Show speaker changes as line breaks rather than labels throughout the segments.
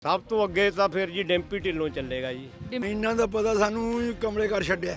ਸਭ ਤੋਂ ਅੱਗੇ ਤਾਂ ਫਿਰ ਜੀ ਡੈਂਪੀ ਢਿੱਲੋਂ ਚੱਲੇਗਾ ਜੀ।
ਇਹਨਾਂ ਦਾ ਪਤਾ ਸਾਨੂੰ ਕਮਲੇ ਕਰ ਛੱਡਿਆ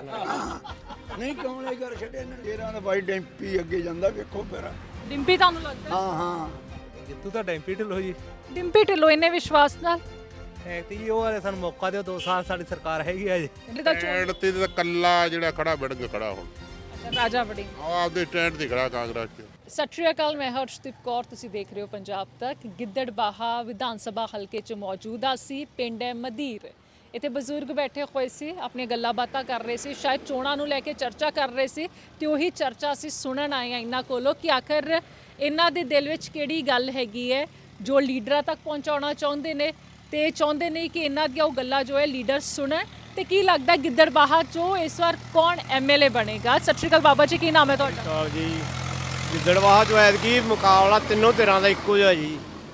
ਨਹੀਂ ਕਮਲੇ ਕਰ ਛੱਡਿਆ ਇਹਨਾਂ ਫੇਰਾਂ ਦਾ ਬਾਈ ਡੈਂਪੀ ਅੱਗੇ ਜਾਂਦਾ ਵੇਖੋ ਫੇਰ
ਡਿੰਪੀ ਤੁਹਾਨੂੰ ਲੱਗਦਾ?
ਹਾਂ
ਜਿੱਤੂ ਤਾਂ ਡੈਂਪੀ ਢਿੱਲੋਂ ਜੀ।
ਡਿੰਪੀ ਢਿੱਲੋਂ ਇੰਨੇ ਵਿਸ਼ਵਾਸ ਨਾਲ
ਹੈ ਤੇ ਜੀ ਉਹ ਵਾਲੇ ਸਾਨੂੰ ਮੌਕਾ ਦਿਓ 2 ਸਾਲ ਸਾਡੀ ਸਰਕਾਰ ਹੈਗੀ ਆ ਜੀ।
ਸਟੈਂਡ ਤੇ ਤਾਂ ਕੱਲਾ ਜਿਹੜਾ ਖੜਾ ਵੜਨ ਖੜਾ ਹੁਣ
ਰਾਜਾ ਵੜਿੰਗ
ਆਪਦੇ ਸਟੈਂਡ ਤੇ ਖੜਾ ਕਾਂਗਰਸ 'ਚ।
ਸਤਿ ਸ਼੍ਰੀ ਅਕਾਲ, ਮੈਂ ਹਰਸ਼ਦੀਪ ਕੌਰ, ਤੁਸੀਂ ਦੇਖ ਰਹੇ ਹੋ ਪੰਜਾਬ ਤੱਕ। ਗਿੱਦੜਬਾਹਾ ਵਿਧਾਨ ਸਭਾ ਹਲਕੇ 'ਚ ਮੌਜੂਦ ਸੀ। ਪਿੰਡ ਹੈ ਮਦੀਰ। ਇੱਥੇ ਬਜ਼ੁਰਗ ਬੈਠੇ ਹੋਏ ਸੀ, ਆਪਣੀਆਂ ਗੱਲਾਂ ਬਾਤਾਂ ਕਰ ਰਹੇ ਸੀ, ਸ਼ਾਇਦ ਚੋਣਾਂ ਨੂੰ ਲੈ ਕੇ ਚਰਚਾ ਕਰ ਰਹੇ ਸੀ ਤੇ ਉਹੀ ਚਰਚਾ ਅਸੀਂ ਸੁਣਨ ਆਏ ਹਾਂ ਇਹਨਾਂ ਕੋਲੋਂ ਕਿ ਆਖਰ ਇਹਨਾਂ ਦੇ ਦਿਲ ਵਿੱਚ ਕਿਹੜੀ ਗੱਲ ਹੈਗੀ ਹੈ ਜੋ ਲੀਡਰਾਂ ਤੱਕ ਪਹੁੰਚਾਉਣਾ ਚਾਹੁੰਦੇ ਨੇ ਤੇ ਚਾਹੁੰਦੇ ਨਹੀਂ ਕਿ ਇਹਨਾਂ ਦੀਆਂ ਉਹ ਗੱਲਾਂ ਜੋ ਹੈ ਲੀਡਰ ਸੁਣਨ। ਤੇ ਕੀ ਲੱਗਦਾ ਗਿੱਦੜਬਾਹਾ 'ਚੋਂ ਇਸ ਵਾਰ ਕੌਣ ਐਮਐਲਏ ਬਣੇਗਾ? ਸਤਿ ਸ਼੍ਰੀ ਅਕਾਲ ਬਾਬਾ ਜੀ, ਕੀ ਨਾਮ ਹੈ ਤੁਹਾਡਾ?
ਕਾਲ ਜੀ। ਗਿੱਦੜਬਾਹਾ 'ਚ ਐਤਕੀ ਮੁਕਾਬਲਾ ਤਿੰਨੋਂ ਧਿਰਾਂ ਦਾ ਇੱਕੋ ਜਿਹਾ ਜੀ।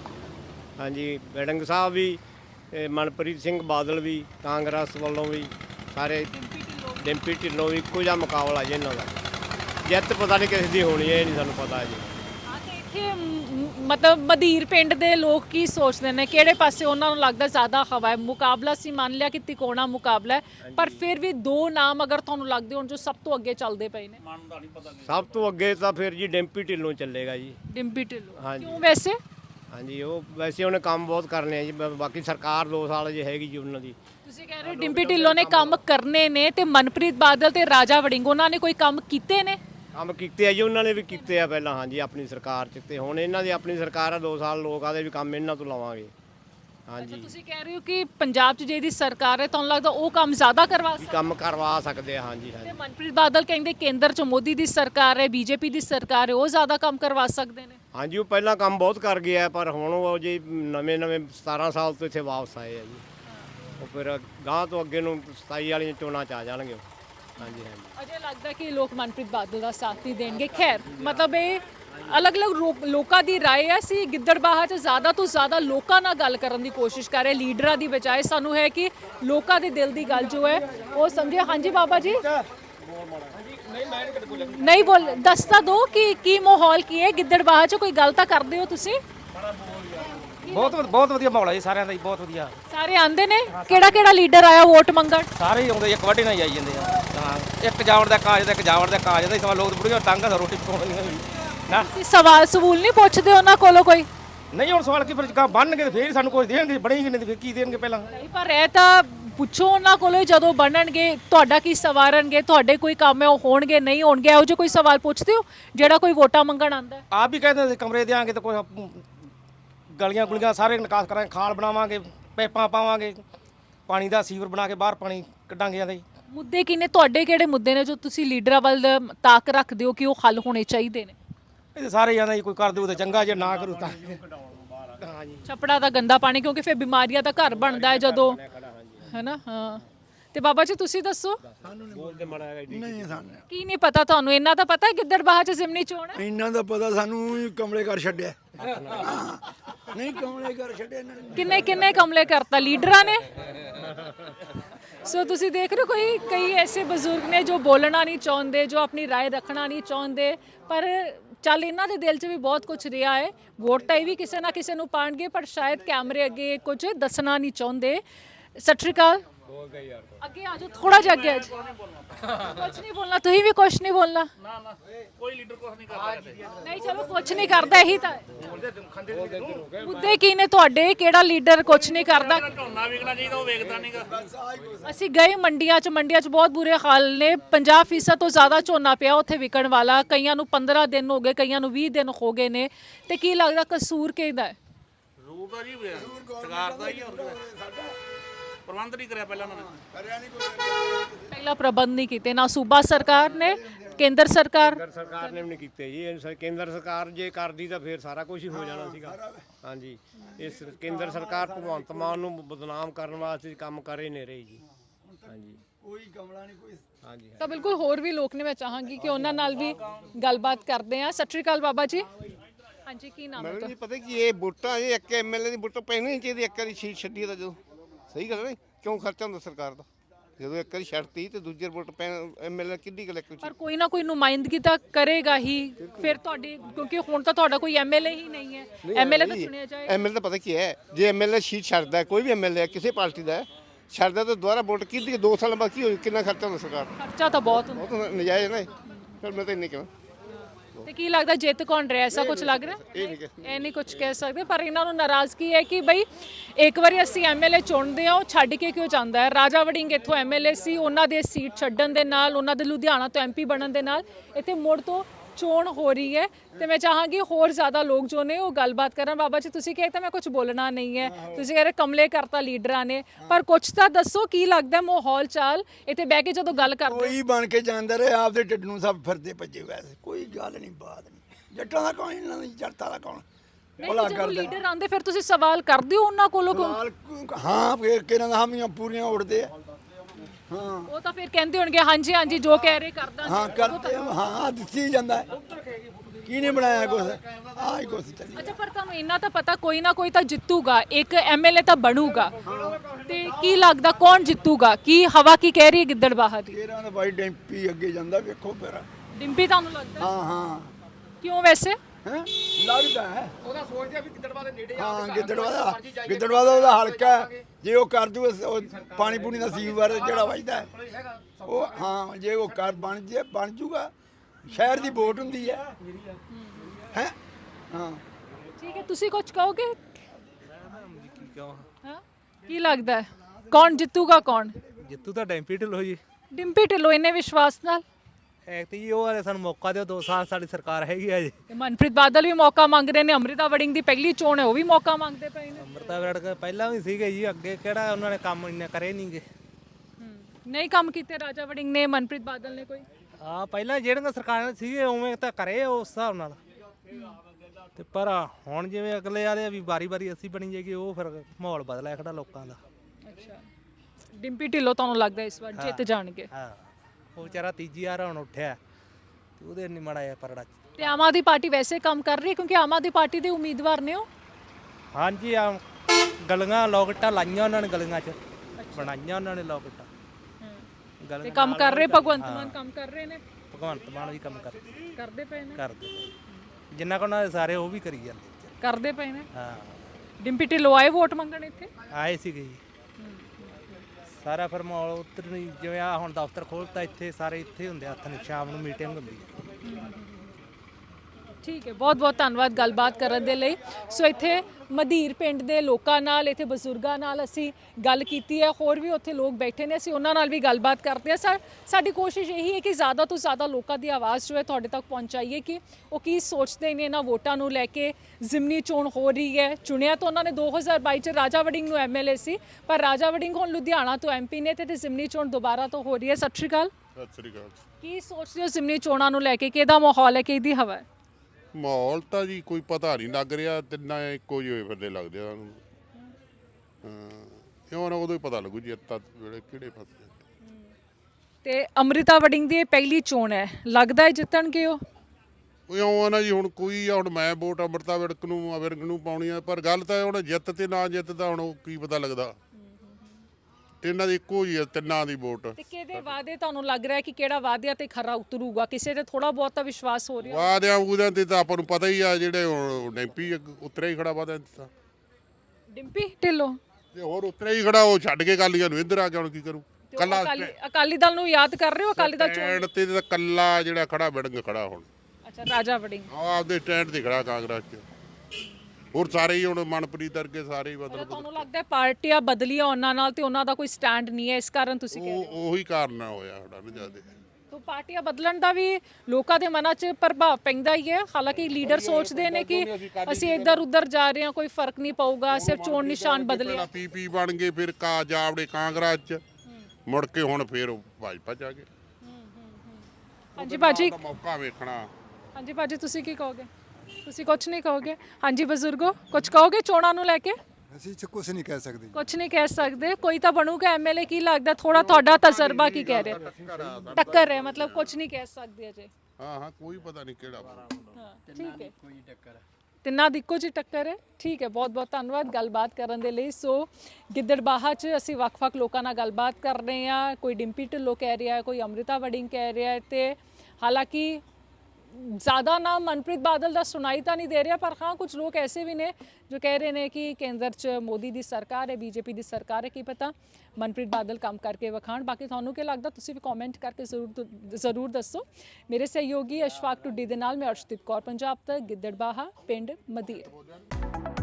ਹਾਂਜੀ, ਵੜਿੰਗ ਸਾਹਿਬ ਵੀ, ਮਨਪ੍ਰੀਤ ਸਿੰਘ ਬਾਦਲ ਵੀ, ਕਾਂਗਰਸ ਵੱਲੋਂ ਵੀ, ਸਾਰੇ ਡੈਂਪੀ ਢਿੱਲੋਂ ਵੀ, ਇੱਕੋ ਜਿਹਾ ਮੁਕਾਬਲਾ ਜੀ ਇਹਨਾਂ ਦਾ। ਜਿੱਤ ਪਤਾ ਨਹੀਂ ਕਿਸ ਦੀ ਹੋਣੀ ਹੈ, ਇਹ ਨਹੀਂ ਸਾਨੂੰ ਪਤਾ ਜੀ।
ਇੱਥੇ ਮਤਲਬ ਮਦੀਰ ਪਿੰਡ ਦੇ ਲੋਕ ਕੀ ਸੋਚਦੇ ਨੇ, ਕਿਹੜੇ ਪਾਸੇ ਉਹਨਾਂ ਨੂੰ ਲੱਗਦਾ ਜ਼ਿਆਦਾ ਹਵਾ ਹੈ? ਮੁਕਾਬਲਾ ਸੀ, ਮੰਨ ਲਿਆ ਕਿ ਤਿਕੋਣਾ ਮੁਕਾਬਲਾ ਹੈ, ਪਰ ਫਿਰ ਵੀ ਦੋ ਨਾਮ ਅਗਰ ਤੁਹਾਨੂੰ ਲੱਗਦੇ ਹੋਣ ਜੋ ਸਭ ਤੋਂ ਅੱਗੇ ਚੱਲਦੇ ਪਏ ਨੇ।
ਸਭ ਤੋਂ ਅੱਗੇ ਤਾਂ ਫਿਰ ਜੀ ਡੈਂਪੀ ਢਿੱਲੋਂ ਚੱਲੇਗਾ ਜੀ।
ਡਿੰਪੀ ਢਿੱਲੋਂ
ਹਾਂਜੀ।
ਕਿਉਂ ਵੈਸੇ?
ਹਾਂਜੀ, ਉਹ ਵੈਸੇ ਉਹਨੇ ਕੰਮ ਬਹੁਤ ਕਰਨੇ ਆ ਜੀ। ਬਾਕੀ ਸਰਕਾਰ 2 ਸਾਲ ਜੇ ਹੈਗੀ ਜੀ ਉਹਨਾਂ ਦੀ।
ਤੁਸੀਂ ਕਹਿ ਰਹੇ ਹੋ ਡਿੰਪੀ ਢਿੱਲੋਂ ਨੇ ਕੰਮ ਕਰਨੇ ਨੇ ਤੇ ਮਨਪ੍ਰੀਤ ਬਾਦਲ ਤੇ ਰਾਜਾ ਵੜਿੰਗ ਉਹਨਾਂ ਨੇ ਕੋਈ ਕੰਮ ਕੀਤੇ ਨੇ?
ਕੰਮ ਕੀਤੇ ਆ ਜੀ, ਉਹਨਾਂ ਨੇ ਵੀ ਕੀਤੇ ਆ ਪਹਿਲਾਂ। ਹਾਂਜੀ, ਆਪਣੀ ਸਰਕਾਰ 'ਚ। ਤੇ ਹੁਣ ਇਹਨਾਂ ਦੀ ਆਪਣੀ ਸਰਕਾਰ ਆ, 2 ਸਾਲ ਲੋਕ ਆਦੇ ਵੀ ਕੰਮ ਇਹਨਾਂ ਤੋਂ ਲਵਾਂਗੇ। ਹਾਂਜੀ,
ਤੁਸੀਂ ਕਹਿ ਰਹੇ ਹੋ ਕਿ ਪੰਜਾਬ 'ਚ ਜਿਹਦੀ ਸਰਕਾਰ ਹੈ ਤੁਹਾਨੂੰ ਲੱਗਦਾ ਉਹ ਕੰਮ ਜ਼ਿਆਦਾ ਕਰਵਾ
ਵੀ ਕੰਮ ਕਰਵਾ ਸਕਦੇ ਆ। ਹਾਂਜੀ
ਤੇ
ਹਾਂਜੀ।
ਮਨਪ੍ਰੀਤ ਬਾਦਲ ਕਹਿੰਦੇ ਕੇਂਦਰ 'ਚ ਮੋਦੀ ਦੀ ਸਰਕਾਰ ਹੈ, ਬੀਜੇਪੀ ਦੀ ਸਰਕਾਰ ਹੈ, ਉਹ ਜ਼ਿਆਦਾ ਕੰਮ ਕਰਵਾ ਸਕਦੇ ਨੇ।
ਹਾਂਜੀ, ਉਹ ਪਹਿਲਾਂ ਕੰਮ ਬਹੁਤ ਕਰ ਗਿਆ, ਪਰ ਹੁਣ ਉਹ ਜੀ ਨਵੇਂ 17 ਸਾਲ ਤੋਂ ਇੱਥੇ ਵਾਪਸ ਆਏ ਆ ਜੀ। ਉਹ ਫਿਰ ਗਾਂ ਤੋਂ ਅੱਗੇ ਨੂੰ 27 ਵਾਲੀਆਂ ਚੋਣਾਂ 'ਚ ਆ ਜਾਣਗੇ ਉਹ। ਹਾਂਜੀ ਹਾਂਜੀ।
ਅਜੇ ਲੱਗਦਾ ਕਿ ਲੋਕ ਮਨਪ੍ਰੀਤ ਬਾਦਲ ਦਾ ਸਾਥ ਨਹੀਂ ਦੇਣਗੇ। ਖੈਰ, ਮਤਲਬ ਇਹ ਅਲੱਗ-ਅਲੱਗ ਲੋਕਾਂ ਦੀ ਰਾਏ ਹੈ। ਅਸੀਂ ਗਿੱਦੜਬਾਹਾ 'ਚ ਜ਼ਿਆਦਾ ਤੋਂ ਜ਼ਿਆਦਾ ਲੋਕਾਂ ਨਾਲ ਗੱਲ ਕਰਨ ਦੀ ਕੋਸ਼ਿਸ਼ ਕਰ ਰਹੇ, ਲੀਡਰਾਂ ਦੀ ਬਜਾਏ। ਸਾਨੂੰ ਹੈ ਕਿ ਲੋਕਾਂ ਦੇ ਦਿਲ ਦੀ ਗੱਲ ਜੋ ਹੈ ਉਹ ਸਮਝੇ। ਹਾਂਜੀ ਬਾਬਾ ਜੀ, ਨਹੀਂ ਬੋਲ, ਦੱਸ ਤਾਂ ਦੋ ਕਿ ਕੀ ਮਾਹੌਲ ਕੀ ਹੈ ਗਿੱਦੜਬਾਹਾ 'ਚ? ਕੋਈ ਗੱਲ ਤਾਂ ਕਰਦੇ ਹੋ ਤੁਸੀਂ?
ਬਹੁਤ ਵਧੀਆ ਮਾਹੌਲ ਹੈ ਜੀ, ਸਾਰਿਆਂ ਦਾ ਹੀ ਬਹੁਤ ਵਧੀਆ।
ਸਾਰੇ ਆਂਦੇ ਨੇ? ਕਿਹੜਾ ਲੀਡਰ ਆਇਆ ਵੋਟ ਮੰਗਣ?
ਸਾਰੇ ਹੀ ਆਉਂਦੇ, ਇੱਕ ਵਾਢੀ ਨਾਲ ਹੀ ਆਈ ਜਾਂਦੇ ਆ। ਹਾਂ, ਇੱਕ ਜਾਵੜ ਦਾ ਕਾਜ ਦਾ, ਇੱਕ ਜਾਵੜ ਦਾ ਕਾਜ ਦਾ। ਇਸ ਵਾਰ ਲੋਕ ਬੁੜੀਆਂ ਤੰਗ ਆ ਰੋਟੀ ਪਕਾਉਣੀਆਂ ਵੀ ਨਾ।
ਤੁਸੀਂ ਸਵਾਲ ਸਵੂਲ ਨਹੀਂ ਪੁੱਛਦੇ ਉਹਨਾਂ ਕੋਲੋਂ ਕੋਈ?
ਨਹੀਂ, ਹੁਣ ਸਵਾਲ ਕੀ ਫਿਰ ਕਾ ਬਣਨਗੇ ਤੇ ਫੇਰ ਸਾਨੂੰ ਕੁਝ ਦੇਣਗੇ, ਬਣੇਗੀ ਨਹੀਂ ਤੇ ਫਿਰ ਕੀ ਦੇਣਗੇ ਪਹਿਲਾਂ?
ਨਹੀਂ, ਪਰ ਇਹ ਤਾਂ ਪੁੱਛੋ ਉਹਨਾਂ ਕੋਲੋਂ ਜਦੋਂ ਬਣਨਗੇ ਤੁਹਾਡਾ ਕੀ ਸਵਾਰਨਗੇ, ਤੁਹਾਡੇ ਕੋਈ ਕੰਮ ਹੈ ਉਹ ਹੋਣਗੇ ਨਹੀਂ ਹੋਣਗੇ, ਇਹੋ ਜਿਹਾ ਕੋਈ ਸਵਾਲ ਪੁੱਛਦੇ ਹੋ ਜਿਹੜਾ ਕੋਈ ਵੋਟਾਂ ਮੰਗਣ ਆਂਦਾ?
ਆਪ ਵੀ ਕਹਿੰਦੇ ਅਸੀਂ ਕਮਰੇ ਦੇਾਂਗੇ ਤੇ ਕੋਈ ਗਲੀਆਂ ਗੁਲੀਆਂ ਸਾਰੇ ਨਿਕਾਸ ਕਰਾਂਗੇ, ਖਾਲ ਬਣਾਵਾਂਗੇ, ਪੈਪਾਂ ਪਾਵਾਂਗੇ, ਪਾਣੀ ਦਾ ਸੀਵਰ ਬਣਾ ਕੇ ਬਾਹਰ ਪਾਣੀ ਕੱਢਾਂਗੇ ਜਾਂਦੇ।
ਮੁੱਦੇ ਕਿਨੇ ਤੁਹਾਡੇ? ਕਿਹੜੇ ਮੁੱਦੇ ਨੇ ਜੋ ਤੁਸੀਂ ਲੀਡਰਾਂ ਵੱਲ ਤਾਕ ਰੱਖਦੇ ਹੋ ਕਿ ਉਹ ਹੱਲ ਹੋਣੇ ਚਾਹੀਦੇ ਨੇ?
ਇਹ ਤਾਂ ਸਾਰੇ ਜਾਂਦੇ ਕੋਈ ਕਰ ਦਿਓ ਤਾਂ ਚੰਗਾ, ਜੇ ਨਾ ਕਰੂ ਤਾਂ ਹਾਂ ਜੀ।
ਛੱਪੜਾ ਦਾ ਗੰਦਾ ਪਾਣੀ, ਕਿਉਂਕਿ ਫਿਰ ਬਿਮਾਰੀਆਂ ਦਾ ਘਰ ਬਣਦਾ ਹੈ ਜਦੋਂ, ਹੈ ਨਾ? ਹਾਂ। ਤੇ ਬਾਬਾ ਜੀ ਤੁਸੀਂ ਦੱਸੋ,
ਨਹੀਂ ਸਾਨੂੰ
ਕੀ ਨਹੀਂ ਪਤਾ ਤੁਹਾਨੂੰ? ਇਹਨਾਂ ਦਾ ਪਤਾ ਹੈ ਗਿੱਦੜਬਾਹਾ 'ਚ ਜ਼ਿਮਨੀ ਚੋਣ ਹੈ?
ਇਹਨਾਂ ਦਾ ਪਤਾ ਸਾਨੂੰ ਕਮਲੇ ਕਰ ਛੱਡਿਆ ਨਹੀਂ ਕਮਲੇ ਕਰ ਛੱਡਿਆ ਇਹਨਾਂ ਨੇ
ਕਿੰਨੇ ਕਮਲੇ ਕਰਤਾ ਲੀਡਰਾਂ ਨੇ। ਸੋ ਤੁਸੀਂ ਦੇਖ ਰਹੇ ਹੋ ਕਈ ਐਸੇ ਬਜ਼ੁਰਗ ਨੇ ਜੋ ਬੋਲਣਾ ਨਹੀਂ ਚਾਹੁੰਦੇ, ਜੋ ਆਪਣੀ ਰਾਏ ਰੱਖਣਾ ਨਹੀਂ ਚਾਹੁੰਦੇ, ਪਰ ਚੱਲ ਇਹਨਾਂ ਦੇ ਦਿਲ 'ਚ ਵੀ ਬਹੁਤ ਕੁਝ ਰਿਹਾ ਹੈ। ਵੋਟ ਤਾਂ ਇਹ ਵੀ ਕਿਸੇ ਨਾ ਕਿਸੇ ਨੂੰ ਪਾਣਗੇ, ਪਰ ਸ਼ਾਇਦ ਕੈਮਰੇ ਅੱਗੇ ਕੁਝ ਦੱਸਣਾ ਨਹੀਂ ਚਾਹੁੰਦੇ। ਸਤਿ ਸ਼੍ਰੀ ਅਕਾਲ। ਅੱਗੇ ਆ ਜਾਓ, ਥੋੜਾ ਜਿਹਾ ਅੱਗੇ ਆ ਜਾਓ। ਕੁਝ ਨਹੀਂ ਬੋਲਣਾ, ਤੁਸੀਂ ਵੀ ਕੁਝ ਨਹੀਂ ਬੋਲਣਾ। ਨਾ ਕੋਈ ਲੀਡਰ ਕੁਝ ਨਹੀਂ ਕਰਦਾ। ਨਹੀਂ, ਚਲੋ ਕੁਝ ਨਹੀਂ ਕਰਦਾ, ਇਹੀ ਤਾਂ ਮੁੱਦੇ ਕੀ ਨੇ ਤੁਹਾਡੇ? ਕਿਹੜਾ ਲੀਡਰ ਕੁਝ ਨਹੀਂ ਕਰਦਾ?
ਝੋਨਾ ਵਿਕਣਾ ਚਾਹੀਦਾ, ਉਹ ਵੇਚਦਾ ਨਹੀਂਗਾ।
ਅਸੀਂ ਗਏ ਮੰਡੀਆਂ 'ਚ ਬਹੁਤ ਬੁਰੇ ਹਾਲ ਨੇ। 50% ਤੋਂ ਜ਼ਿਆਦਾ ਝੋਨਾ ਪਿਆ ਉੱਥੇ ਵਿਕਣ ਵਾਲਾ। ਕਈਆਂ ਨੂੰ 15 ਦਿਨ ਹੋ ਗਏ, ਕਈਆਂ ਨੂੰ 20 ਦਿਨ ਹੋ ਗਏ ਨੇ। ਤੇ ਕੀ ਲੱਗਦਾ ਕਸੂਰ ਕਿਹਦਾ ਹੈ?
ਰੂਪ ਦਾ ਜੀ ਸਰਕਾਰ ਦਾ ਹੀ ਪ੍ਰਬੰਧ ਨਹੀਂ ਕਰਿਆ ਪਹਿਲਾਂ ਉਹਨਾਂ ਨੇ।
ਪਹਿਲਾ ਪ੍ਰਬੰਧ ਨਹੀਂ ਕੀਤੇ, ਨਾ ਸੂਬਾ ਸਰਕਾਰ ਨੇ, ਕੇਂਦਰ ਸਰਕਾਰ
ਨੇ ਵੀ ਨਹੀਂ ਕੀਤੇ ਜੀ। ਕੇਂਦਰ ਸਰਕਾਰ ਜੇ ਕਰਦੀ ਤਾਂ ਫਿਰ ਸਾਰਾ ਕੁਝ ਹੀ ਹੋ ਜਾਣਾ ਸੀਗਾ। ਹਾਂਜੀ, ਇਸ ਕੇਂਦਰ ਸਰਕਾਰ ਭਗਵੰਤ ਮਾਨ ਨੂੰ ਬਦਨਾਮ ਕਰਨ ਵਾਸਤੇ ਕੰਮ ਕਰ ਹੀ ਨਹੀਂ ਰਹੀ ਜੀ। ਹਾਂਜੀ,
ਕੋਈ ਕਮਲਾ ਨਹੀਂ ਕੋਈ।
ਹਾਂਜੀ
ਤਾਂ ਬਿਲਕੁਲ ਹੋਰ ਵੀ ਲੋਕ ਨੇ, ਮੈਂ ਚਾਹਾਂਗੀ ਕਿ ਉਹਨਾਂ ਨਾਲ ਵੀ ਗੱਲਬਾਤ ਕਰਦੇ ਹਾਂ। ਸਤਿ ਸ਼੍ਰੀ ਅਕਾਲ ਬਾਬਾ ਜੀ। ਹਾਂਜੀ, ਕੀ ਨਾਮ ਹੈ
ਮੈਨੂੰ
ਤੁਹਾਡਾ?
ਨਹੀਂ ਪਤਾ ਕਿ ਇਹ ਵੋਟਾਂ ਇਹ ਇੱਕ ਐਮਐਲਏ ਦੀ ਵੋਟਾਂ ਪੈਣੀ ਨਹੀਂ ਚਾਹੀਦੀ, ਇੱਕ ਵਾਰੀ ਛੱਡੀ ਤਾਂ ਜਦੋਂ ਸਹੀ ਗੱਲ ਨਹੀਂ। ਕਿਉਂ ਖਰਚਾ ਹੁੰਦਾ ਸਰਕਾਰ ਦਾ? ਜਦੋਂ ਇੱਕ ਵਾਰੀ ਛੱਡਤੀ ਤੇ ਦੂਜੇ ਵੋਟ ਪੈ ਐਮਐਲਏ ਕਿੱਡੀ ਗੱਲ
ਪਰ ਕੋਈ ਨਾ ਕੋਈ ਨੁਮਾਇੰਦਗੀ ਤਾਂ ਕਰੇਗਾ ਹੀ ਫਿਰ ਤੁਹਾਡੀ, ਕਿਉਂਕਿ ਹੁਣ ਤਾਂ ਤੁਹਾਡਾ ਕੋਈ ਐਮਐਲਏ ਹੀ ਨਹੀਂ ਹੈ, ਐਮਐਲਏ ਤਾਂ ਚੁਣਿਆ ਜਾਏਗਾ।
ਐਮਐਲਏ ਤਾਂ ਪਤਾ ਕੀ ਹੈ, ਜੇ ਐਮਐਲਏ ਸੀਟ ਛੱਡਦਾ ਕੋਈ ਵੀ ਐਮਐਲਏ ਕਿਸੇ ਪਾਰਟੀ ਦਾ ਛੱਡਦਾ ਤਾਂ ਦੁਬਾਰਾ ਵੋਟ ਕਿੱਡੀ 2 ਸਾਲਾਂ ਬਾਅਦ ਕੀ ਹੋਈ, ਕਿੰਨਾ ਖਰਚਾ ਹੁੰਦਾ ਸਰਕਾਰ ਦਾ?
ਖਰਚਾ ਤਾਂ ਬਹੁਤ ਹੁੰਦਾ।
ਉਹ ਤਾਂ ਨਜਾਇਜ਼ ਹੈ ਨਾ। ਫਿਰ ਮੈਂ ਤਾਂ ਇੰਨੇ ਕਹਾਂ
ਤੇ ਕੀ ਲੱਗਦਾ ਜਿੱਤ ਕੌਣ ਰਿਹਾ, ਐਸਾ ਕੁਝ ਲੱਗ ਰਿਹਾ? ਇਹ ਨਹੀਂ ਕੁਝ ਕਹਿ ਸਕਦੇ, ਪਰ ਇਹਨਾਂ ਨੂੰ ਨਾਰਾਜ਼ਗੀ ਹੈ ਕਿ ਬਈ ਇੱਕ ਵਾਰੀ ਅਸੀਂ ਐਮਐਲਏ ਚੁਣਦੇ ਆ, ਉਹ ਛੱਡ ਕੇ ਕਿਉਂ ਜਾਂਦਾ ਹੈ। ਰਾਜਾ ਵੜਿੰਗ ਇੱਥੋਂ ਐਮਐਲਏ ਸੀ, ਉਹਨਾਂ ਦੇ ਸੀਟ ਛੱਡਣ ਦੇ ਨਾਲ, ਉਹਨਾਂ ਦੇ ਲੁਧਿਆਣਾ ਤੋਂ ਐਮਪੀ ਬਣਨ ਦੇ ਨਾਲ ਇੱਥੇ ਮੁੜ ਤੋਂ ਚੋਣ ਹੋ ਰਹੀ ਹੈ ਤੇ ਮੈਂ ਚਾਹਾਂਗੀ ਹੋਰ ਜ਼ਿਆਦਾ ਲੋਕ ਜੋ ਨੇ ਉਹ ਗੱਲਬਾਤ ਕਰਨ। ਬਾਬਾ ਜੀ ਤੁਸੀਂ ਕਹਿੰਦੇ ਮੈਂ ਕੁਝ ਬੋਲਣਾ ਨਹੀਂ ਹੈ, ਤੁਸੀਂ ਕਹਿੰਦੇ ਕਮਲੇ ਕਰਤਾ ਲੀਡਰਾਂ ਨੇ, ਪਰ ਕੁਝ ਤਾਂ ਦੱਸੋ ਕੀ ਲੱਗਦਾ ਮਾਹੌਲ ਚਾਲ ਇੱਥੇ ਬਹਿ ਕੇ ਜਦੋਂ ਗੱਲ ਕਰਦੇ?
ਕੋਈ ਬਣ ਕੇ ਜਾਂਦਾ ਰਹੇ, ਆਪਦੇ ਢਿੱਡ ਨੂੰ ਸਭ ਫਿਰਦੇ ਭੱਜੇ, ਵੈਸੇ ਕੋਈ ਗੱਲ ਨਹੀਂ, ਬਾਤ ਨਹੀਂ। ਜੱਟਾਂ ਦਾ ਕੌਣ, ਇਹਨਾਂ ਦੀ ਜੱਟਾਂ ਦਾ ਕੌਣ ਭਲਾ
ਜਦੋਂ
ਕਰਦਾ?
ਲੀਡਰ ਆਉਂਦੇ ਫਿਰ ਤੁਸੀਂ ਸਵਾਲ ਕਰਦੇ ਹੋ ਉਹਨਾਂ ਕੋਲੋਂ?
ਹਾਂ ਫਿਰ ਕਿਹਨਾਂ ਦਾ ਹਾਮੀਆਂ ਪੂਰੀਆਂ ਉੜਦੇ ਆ। ਹਾਂ
ਉਹ ਤਾਂ ਫਿਰ ਕਹਿੰਦੇ ਹੋਣਗੇ ਹਾਂਜੀ ਹਾਂਜੀ ਜੋ ਕਹਿ ਰਹੇ ਕਰਦਾ।
ਹਾਂ ਕਰਦੇ, ਹਾਂ ਦਿੱਤੀ ਜਾਂਦਾ ਹੈ। ਕੀ ਨੇ ਬਣਾਇਆ ਕੁਛ, ਆਹ ਹੀ ਕੁਛ ਚੱਲੀ।
ਅੱਛਾ, ਪਰ ਤੁਹਾਨੂੰ ਇੰਨਾ ਤਾਂ ਪਤਾ ਕੋਈ ਨਾ ਕੋਈ ਤਾਂ ਜਿੱਤੂਗਾ, ਇੱਕ ਐਮਐਲਏ ਤਾਂ ਬਣੂਗਾ, ਤੇ ਕੀ ਲੱਗਦਾ ਕੌਣ ਜਿੱਤੂਗਾ? ਕੀ ਹਵਾ ਕੀ ਕਹਿ ਰਹੀ ਹੈ ਗਿੱਦੜਬਾਹਾ ਦੀ?
ਤੇਰਾਂ ਦਾ ਬਾਈ ਡੈਂਪੀ ਅੱਗੇ ਜਾਂਦਾ, ਵੇਖੋ ਫਿਰ।
ਡਿੰਪੀ ਤੁਹਾਨੂੰ ਲੱਗਦਾ?
ਹਾਂ ਹਾਂ
ਕਿਉਂ ਵੈਸੇ?
ਹੈ ਲੱਗਦਾ ਹੈ।
ਉਹਦਾ ਸੋਚਦੇ ਆ ਵੀ ਗਿੱਦੜਵਾ ਦੇ ਨੇੜੇ
ਹਾਂ ਗਿੱਦੜਵਾ ਦਾ ਉਹਦਾ ਹਲਕਾ ਹੈ। ਜੇ ਉਹ ਕਰ ਦੂ ਉਹ ਪਾਣੀ ਪੂਣੀ ਦਾ ਸੀਵਰ ਜਿਹੜਾ ਵੱਜਦਾ ਹੈ ਉਹ, ਹਾਂ ਜੇ ਉਹ ਕਰ ਬਣ ਜੂਗਾ। ਸ਼ਹਿਰ ਦੀ ਵੋਟ ਹੁੰਦੀ ਹੈ ਹੈ। ਹਾਂ
ਠੀਕ ਹੈ, ਤੁਸੀਂ ਕੁਝ ਕਹੋਗੇ?
ਕੀ ਕਹਾਂ,
ਹਾਂ, ਕੀ ਲੱਗਦਾ ਹੈ ਕੌਣ ਜਿੱਤੂਗਾ? ਕੌਣ
ਜਿੱਤੂ ਤਾਂ ਡੈਂਪੀ ਢਿੱਲੋਂ ਜੀ।
ਡਿੰਪੀ ਢਿੱਲੋਂ ਇੰਨੇ ਵਿਸ਼ਵਾਸ ਨਾਲ?
ਐਕਤੀ ਜੀ ਉਹ ਵਾਲੇ ਸਾਨੂੰ ਮੌਕਾ ਦਿਓ, 2 ਸਾਲ ਸਾਡੀ ਸਰਕਾਰ ਹੈਗੀ ਆ ਜੀ।
ਤੇ ਮਨਪ੍ਰੀਤ ਬਾਦਲ ਵੀ ਮੌਕਾ ਮੰਗ ਰਹੇ ਨੇ, ਅੰਮ੍ਰਿਤਾ ਵੜਿੰਗ ਦੀ ਪਹਿਲੀ ਚੋਣ ਹੈ ਉਹ ਵੀ ਮੌਕਾ ਮੰਗਦੇ ਪਏ ਨੇ।
ਅੰਮ੍ਰਿਤਾ ਵੜਿੰਗ ਪਹਿਲਾਂ ਵੀ ਸੀਗੇ ਜੀ, ਅੱਗੇ ਕਿਹੜਾ ਉਹਨਾਂ ਨੇ ਕੰਮ ਇੰਨੇ ਕਰੇ ਨਹੀਂਗੇ।
ਨਹੀਂ ਕੰਮ ਕੀਤੇ ਰਾਜਾ ਵੜਿੰਗ ਨੇ, ਮਨਪ੍ਰੀਤ ਬਾਦਲ ਨੇ ਕੋਈ?
ਆ ਪਹਿਲਾਂ ਜਿਹੜੀਆਂ ਸਰਕਾਰਾਂ ਸੀਗੇ ਉਵੇਂ ਤਾਂ ਕਰੇ ਉਸ ਹਿਸਾਬ ਨਾਲ, ਤੇ ਪਰ ਹੁਣ ਜਿਵੇਂ ਅਗਲੇ ਆਦੇ ਵੀ ਵਾਰੀ ਅਸੀਂ ਬਣੀ ਜਾਈਏ, ਉਹ ਫਿਰ ਮਾਹੌਲ ਬਦਲਿਆ ਖੜਾ ਲੋਕਾਂ ਦਾ।
ਅੱਛਾ, ਡਿੰਪੀ ਢਿੱਲੋਂ ਤੁਹਾਨੂੰ ਲੱਗਦਾ ਇਸ ਵਾਰ ਜਿੱਤ ਜਾਣਗੇ?
ਹਾਂ, ਉਹ ਵਿਚਾਰਾ ਤੀਜੀ ਵਾਰ ਹੁਣ ਉੱਠਿਆ ਤੇ ਉਹਦੇ ਨਹੀਂ ਮਾੜਾ ਜਿਹਾ ਪਰੜਾ।
ਤੇ ਆਮ ਆਦਮੀ ਪਾਰਟੀ ਵੈਸੇ ਕੰਮ ਕਰ ਰਹੀ ਹੈ ਕਿਉਂਕਿ ਆਮ ਆਦਮੀ ਪਾਰਟੀ ਦੇ ਉਮੀਦਵਾਰ ਨੇ ਉਹ?
ਹਾਂਜੀ ਆ ਗਲੀਆਂ ਲੋਕਟਾਂ ਲਾਈਆਂ ਉਹਨਾਂ ਨੇ, ਗਲੀਆਂ 'ਚ ਬਣਾਈਆਂ ਉਹਨਾਂ ਨੇ ਲੋਕਟਾਂ।
ਤੇ ਕੰਮ ਕਰ ਰਹੇ, ਭਗਵੰਤ ਮਾਨ ਕੰਮ ਕਰ ਰਹੇ ਨੇ?
ਭਗਵੰਤ ਮਾਨ ਵੀ ਕੰਮ ਕਰਦੇ
ਪਏ ਨੇ?
ਕਰਦੇ ਜਿੰਨਾ ਕੋਲ ਉਹਨਾਂ ਦੇ ਸਾਰੇ ਉਹ ਵੀ ਕਰੀ ਜਾਂਦੇ।
ਕਰਦੇ ਪਏ ਨੇ।
ਹਾਂ,
ਡਿੰਪੀ ਢਿੱਲੋਂ ਆਏ ਵੋਟ ਮੰਗਣ ਇੱਥੇ?
ਆਏ ਸੀਗੇ ਜੀ। ਸਾਰਾ ਫਿਰ ਮਾਹੌਲ ਉੱਧਰ ਨੂੰ ਜਿਵੇਂ ਆ ਹੁਣ ਦਫ਼ਤਰ ਖੋਲ੍ਹਤਾ, ਇੱਥੇ ਸਾਰੇ ਇੱਥੇ ਹੁੰਦੇ ਹੱਥ ਨੂੰ, ਸ਼ਾਮ ਨੂੰ ਮੀਟਿੰਗ ਹੁੰਦੀ ਹੈ।
ਠੀਕ ਹੈ, ਬਹੁਤ ਬਹੁਤ ਧੰਨਵਾਦ ਗੱਲਬਾਤ ਕਰਨ ਦੇ ਲਈ। ਸੋ ਇੱਥੇ ਮਧੀਰ ਪਿੰਡ ਦੇ ਲੋਕਾਂ ਨਾਲ, ਇੱਥੇ ਬਜ਼ੁਰਗਾਂ ਨਾਲ ਅਸੀਂ ਗੱਲ ਕੀਤੀ ਹੈ, ਹੋਰ ਵੀ ਉੱਥੇ ਲੋਕ ਬੈਠੇ ਨੇ, ਅਸੀਂ ਉਹਨਾਂ ਨਾਲ ਵੀ ਗੱਲਬਾਤ ਕਰਦੇ ਹਾਂ। ਸਾਡੀ ਕੋਸ਼ਿਸ਼ ਇਹੀ ਹੈ ਕਿ ਜ਼ਿਆਦਾ ਤੋਂ ਜ਼ਿਆਦਾ ਲੋਕਾਂ ਦੀ ਆਵਾਜ਼ ਜੋ ਹੈ ਤੁਹਾਡੇ ਤੱਕ ਪਹੁੰਚਾਈਏ ਕਿ ਉਹ ਕੀ ਸੋਚਦੇ ਨੇ ਇਹਨਾਂ ਵੋਟਾਂ ਨੂੰ ਲੈ ਕੇ। ਜ਼ਿਮਨੀ ਚੋਣ ਹੋ ਰਹੀ ਹੈ, ਚੁਣਿਆ ਤਾਂ ਉਹਨਾਂ ਨੇ 2022 ਚ ਰਾਜਾ ਵੜਿੰਗ ਨੂੰ ਐਮਐਲਏ ਸੀ, ਪਰ ਰਾਜਾ ਵੜਿੰਗ ਹੁਣ ਲੁਧਿਆਣਾ ਤੋਂ ਐਮਪੀ ਨੇ ਤੇ ਜ਼ਿਮਨੀ ਚੋਣ ਦੁਬਾਰਾ ਤੋਂ ਹੋ ਰਹੀ ਹੈ। ਸਤਿ ਸ਼੍ਰੀ ਅਕਾਲ।
ਸਤਿ ਸ੍ਰੀ ਅਕਾਲ।
ਕੀ ਸੋਚਦੇ ਹੋ ਜ਼ਿਮਨੀ ਚੋਣਾਂ ਨੂੰ ਲੈ ਕੇ, ਕਿਹਦਾ ਮਾਹੌਲ ਹੈ, ਕਿਹਦੀ ਹਵਾ ਹੈ?
ਮਾਹੌਲ ਤਾਂ ਜੀ ਕੋਈ ਪਤਾ ਨਹੀਂ ਲੱਗ ਰਿਹਾ, ਤਿੰਨਾਂ ਇੱਕੋ ਜਿਹੇ ਹੋਏ ਫਿਰਦੇ ਲੱਗਦੇ ਆ ਸਾਨੂੰ। ਹਾਂ, ਕਿਉਂ ਨਾ ਉਦੋਂ ਹੀ ਪਤਾ ਲੱਗੂ ਜੀ ਇੱਤਾਂ ਵੇਲੇ ਕਿਹੜੇ ਪਾਸੇ।
ਤੇ ਅੰਮ੍ਰਿਤਾ ਵੜਿੰਗ ਦੀ ਇਹ ਪਹਿਲੀ ਚੋਣ ਹੈ, ਲੱਗਦਾ ਹੈ ਜਿੱਤਣਗੇ ਉਹ?
ਉਹ ਇਉਂ ਆ ਨਾ ਜੀ, ਹੁਣ ਕੋਈ ਹੁਣ ਮੈਂ ਵੋਟ ਅੰਮ੍ਰਿਤਾ ਵਿਰਕ ਨੂੰ ਪਾਉਣੀ ਆ, ਪਰ ਗੱਲ ਤਾਂ ਹੁਣ ਜਿੱਤ ਤੇ ਨਾ ਜਿੱਤ ਦਾ ਹੁਣ ਕੀ ਪਤਾ ਲੱਗਦਾ। ਇਹਨਾਂ ਦੀ ਇੱਕੋ ਹੀ ਆ ਤਿੰਨਾਂ ਦੀ ਵੋਟ।
ਤੇ ਕਿਹਦੇ ਵਾਅਦੇ ਤੁਹਾਨੂੰ ਲੱਗ ਰਿਹਾ ਕਿ ਕਿਹੜਾ ਵਾਅਦਿਆਂ ਤੇ ਖਰਾ ਉਤਰੂਗਾ? ਕਿਸੇ ਤੇ ਥੋੜਾ ਬਹੁਤ ਤਾਂ ਵਿਸ਼ਵਾਸ ਹੋ ਰਿਹਾ?
ਵਾਦਿਆਂ ਵੂਦਿਆਂ ਤੇ ਤਾਂ ਆਪਾਂ ਨੂੰ ਪਤਾ ਹੀ ਆ, ਜਿਹੜੇ ਹੁਣ ਡੈਂਪੀ ਉਤਰਿਆ ਹੀ ਖੜਾ ਵਾਦਿਆਂ ਤੇ ਤਾਂ।
ਡਿੰਪੀ ਢਿੱਲੋਂ
ਤੇ ਹੋਰ ਉਤਰਿਆ ਹੀ ਖੜਾ, ਉਹ ਛੱਡ ਕੇ ਕਾਲੀਆਂ ਨੂੰ ਇੱਧਰ ਆ ਕੇ ਹੁਣ ਕੀ ਕਰੂ?
ਤੇ ਉਹ ਅਕਾਲੀ ਦਲ ਨੂੰ ਯਾਦ ਕਰ ਰਹੇ ਹੋ? ਅਕਾਲੀ ਦਲ ਚੋਣ
ਸਟੈਂਡ ਤੇ ਤਾਂ ਕੱਲਾ ਜਿਹੜਾ ਖੜਾ ਵਿੜੰਗ ਖੜਾ ਹੁਣ।
ਅੱਛਾ, ਰਾਜਾ ਵੜਿੰਗ
ਆਪਦੇ ਸਟੈਂਡ ਤੇ ਖੜਾ ਕਾਂਗਰਸ 'ਚ। ਹੋਰ ਸਾਰੇ ਹੀ ਹੁਣ ਮਨਪ੍ਰੀਤ ਵਰਗੇ ਸਾਰੇ ਹੀ ਮਤਲਬ
ਤੁਹਾਨੂੰ ਲੱਗਦਾ ਹੈ ਪਾਰਟੀਆਂ ਬਦਲੀਆਂ ਉਹਨਾਂ ਨਾਲ ਤੇ ਉਹਨਾਂ ਦਾ ਕੋਈ ਸਟੈਂਡ ਨਹੀਂ ਹੈ, ਇਸ ਕਾਰਨ ਤੁਸੀਂ ਕਹਿ ਰਹੇ ਹੋ?
ਉਹੀ ਕਾਰਨ ਹੋਇਆ ਸਾਡਾ ਨਾ ਜ਼ਿਆਦਾ।
ਤਾਂ ਪਾਰਟੀਆਂ ਬਦਲਣ ਦਾ ਵੀ ਲੋਕਾਂ ਦੇ ਮਨਾਂ 'ਚ ਪ੍ਰਭਾਵ ਪੈਂਦਾ ਹੀ ਹੈ। ਹਾਲਾਂਕਿ ਲੀਡਰ ਸੋਚਦੇ ਨੇ ਕਿ ਅਸੀਂ ਇੱਧਰ ਉੱਧਰ ਜਾ ਰਹੇ ਹਾਂ, ਕੋਈ ਫਰਕ ਨਹੀਂ ਪਊਗਾ, ਸਿਰਫ ਚੋਣ ਨਿਸ਼ਾਨ ਬਦਲੇ।
ਪੀਪੀ ਬਣ ਗਏ, ਫਿਰ ਜਾਵੜੇ ਕਾਂਗਰਸ 'ਚ, ਮੁੜ ਕੇ ਹੁਣ ਫਿਰ ਉਹ ਭਾਜਪਾ 'ਚ ਆ ਗਏ।
ਹਾਂਜੀ ਭਾਜੀ,
ਮੌਕਾ ਵੇਖਣਾ।
ਹਾਂਜੀ ਭਾਜੀ ਤੁਸੀਂ ਕੀ ਕਹੋਗੇ? ਤੁਸੀਂ ਕੁਝ ਨਹੀਂ ਕਹੋਗੇ? ਹਾਂਜੀ ਬਜ਼ੁਰਗੋ, ਕੁਝ ਕਹੋਗੇ ਚੋਣਾਂ ਨੂੰ ਲੈ ਕੇ?
ਅਸੀਂ ਕੁਝ ਨਹੀਂ ਕਹਿ ਸਕਦੇ।
ਕੁਝ ਨਹੀਂ ਕਹਿ ਸਕਦੇ, ਕੋਈ ਤਾਂ ਬਣੂਗਾ ਐਮਐਲਏ। ਕੀ ਲੱਗਦਾ ਥੋੜਾ ਤੁਹਾਡਾ ਤਜਰਬਾ ਕੀ ਕਹਿ ਰਿਹਾ? ਟੱਕਰ ਹੈ, ਮਤਲਬ ਕੁਝ ਨਹੀਂ ਕਹਿ ਸਕਦੇ ਅਜੇ।
ਹਾਂ ਕੋਈ ਪਤਾ ਨਹੀਂ ਕਿਹੜਾ।
ਹਾਂ ਠੀਕ ਹੈ, ਤਿੰਨਾਂ ਦੀ ਇੱਕੋ ਜਿਹੀ ਟੱਕਰ ਹੈ। ਠੀਕ ਹੈ, ਬਹੁਤ ਬਹੁਤ ਧੰਨਵਾਦ ਗੱਲਬਾਤ ਕਰਨ ਦੇ ਲਈ। ਸੋ ਗਿੱਦੜਬਾਹਾ 'ਚ ਅਸੀਂ ਵੱਖ-ਵੱਖ ਲੋਕਾਂ ਨਾਲ ਗੱਲਬਾਤ ਕਰ ਰਹੇ ਹਾਂ। ਕੋਈ ਡਿੰਪੀ ਢਿੱਲੋਂ ਕਹਿ ਰਿਹਾ, ਕੋਈ ਅੰਮ੍ਰਿਤਾ ਵੜਿੰਗ ਕਹਿ ਰਿਹਾ ਹੈ, ਤੇ ਹਾਲਾਂਕਿ ज़्यादा नाम मनप्रीत बादल का सुनाई तो नहीं दे रहा, पर हाँ कुछ लोग ऐसे भी ने जो कह रहे हैं कि केंद्र च मोदी की सरकार है, बीजेपी की सरकार है, की पता मनप्रीत बादल काम करके विखाण। बाकी थानू क्या लगता, तुसीं भी कॉमेंट करके जरूर दसो। मेरे सहयोगी अशफाक टुड्डी दे नाल मैं अर्शदीप कौर, पंजाब तक, गिद्दड़बाहा, पिंड मदीर।